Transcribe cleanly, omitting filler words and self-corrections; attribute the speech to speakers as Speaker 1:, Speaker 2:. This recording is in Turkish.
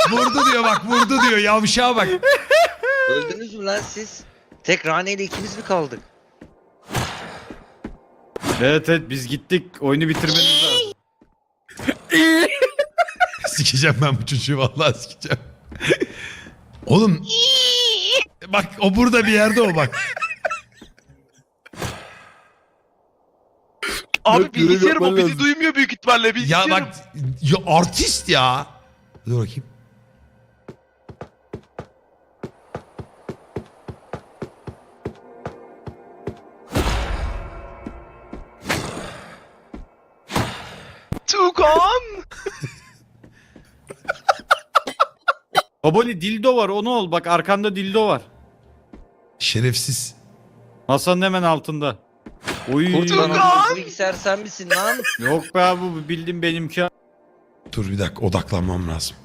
Speaker 1: Vurdu diyor bak, vurdu diyor. Yavşağa bak.
Speaker 2: Öldünüz mü lan siz? Tek Rane ile ikimiz mi kaldık?
Speaker 3: Evet biz gittik. Oyunu bitirmeniz lazım.
Speaker 1: Sikeceğim ben bu çocuğu, vallahi sikeceğim. Oğlum. Bak o burada bir yerde o bak.
Speaker 4: Abi
Speaker 5: Görev
Speaker 4: bilgisayarım
Speaker 5: yapman
Speaker 4: o bizi
Speaker 5: lazım.
Speaker 4: duymuyor büyük ihtimalle
Speaker 1: Ya
Speaker 4: bilgisayarım.
Speaker 1: bak ya artist ya. Dur bakayım.
Speaker 4: Tukan.
Speaker 3: Baboli dildo var onu ol. Bak arkanda dildo var.
Speaker 1: Şerefsiz.
Speaker 3: Masanın hemen altında. Oy.
Speaker 2: Kurtulan
Speaker 4: Tukan!
Speaker 2: o bilgisayar sen misin lan?
Speaker 3: Yok be abi bu bildiğin benimki.
Speaker 1: Dur bir dakika, odaklanmam lazım.